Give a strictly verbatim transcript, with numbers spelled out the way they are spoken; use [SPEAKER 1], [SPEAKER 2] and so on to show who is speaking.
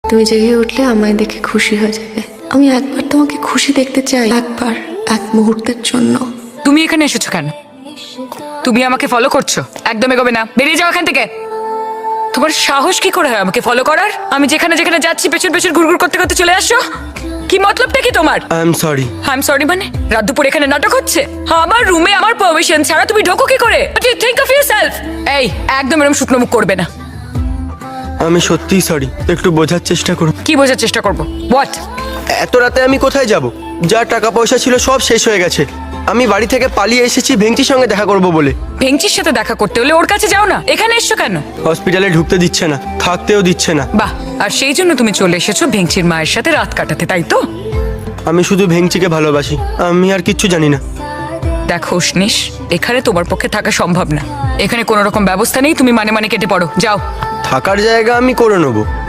[SPEAKER 1] তুমি জেগে উঠলে আমায় দেখে খুশি হয়ে যাবে। আমি একবার তোমাকে খুশি দেখতে চাই, একবার, এক মুহূর্তের জন্য।
[SPEAKER 2] তুমি এখানে এসেছো কেন? তুমি আমাকে ফলো করছো? একদম এগোবে না, বেরিয়ে যাও এখান থেকে। তোমার সাহস কি করে হয় আমাকে ফলো করার? আমি যেখানে যেখানে যাচ্ছি পেছন পেছন ঘুরঘুর করতে করতে চলে আসছো। কি মতলবটা কি তোমার?
[SPEAKER 3] I am sorry.
[SPEAKER 2] I am sorry মানে? রাত দুপুর এখানে নাটক হচ্ছে? আমার রুমে আমার পারমিশন ছাড়া তুমি ঢোকো কি করে? What do you think of yourself? এই একদম এরকম শুকনো মুখ করবে না।
[SPEAKER 3] আমি সত্যিই সরি, একটু বোঝার চেষ্টা করুন।
[SPEAKER 2] কি বোঝার চেষ্টা করবো? হোয়াট?
[SPEAKER 3] এত রাতে আমি কোথায় যাব? যা টাকা পয়সা ছিল সব শেষ হয়ে গেছে। আমি বাড়ি থেকে পালিয়ে এসেছি ভেঙ্কির সঙ্গে দেখা করব বলে।
[SPEAKER 2] ভেঙ্কির সাথে দেখা করতে হলে ওর কাছে যাও না, এখানে এসছো কেন?
[SPEAKER 3] হসপিটালে ঢুকতে দিচ্ছে না, থাকতেও দিচ্ছে না।
[SPEAKER 2] বাহ, আর সেই জন্য তুমি চলে এসেছো ভেঙ্কির মায়ের সাথে রাত কাটাতে, তাই তো?
[SPEAKER 3] আমি শুধু ভেঙ্কিকে ভালোবাসি, আমি আর কিচ্ছু জানি না।
[SPEAKER 2] দেখো উষ্ণিস, এখানে তোমার পক্ষে থাকা সম্ভব না। এখানে কোনো রকম ব্যবস্থা নেই, তুমি মানে মানে কেটে পড়ো, যাও।
[SPEAKER 3] থাকার জায়গা আমি করে নেবো।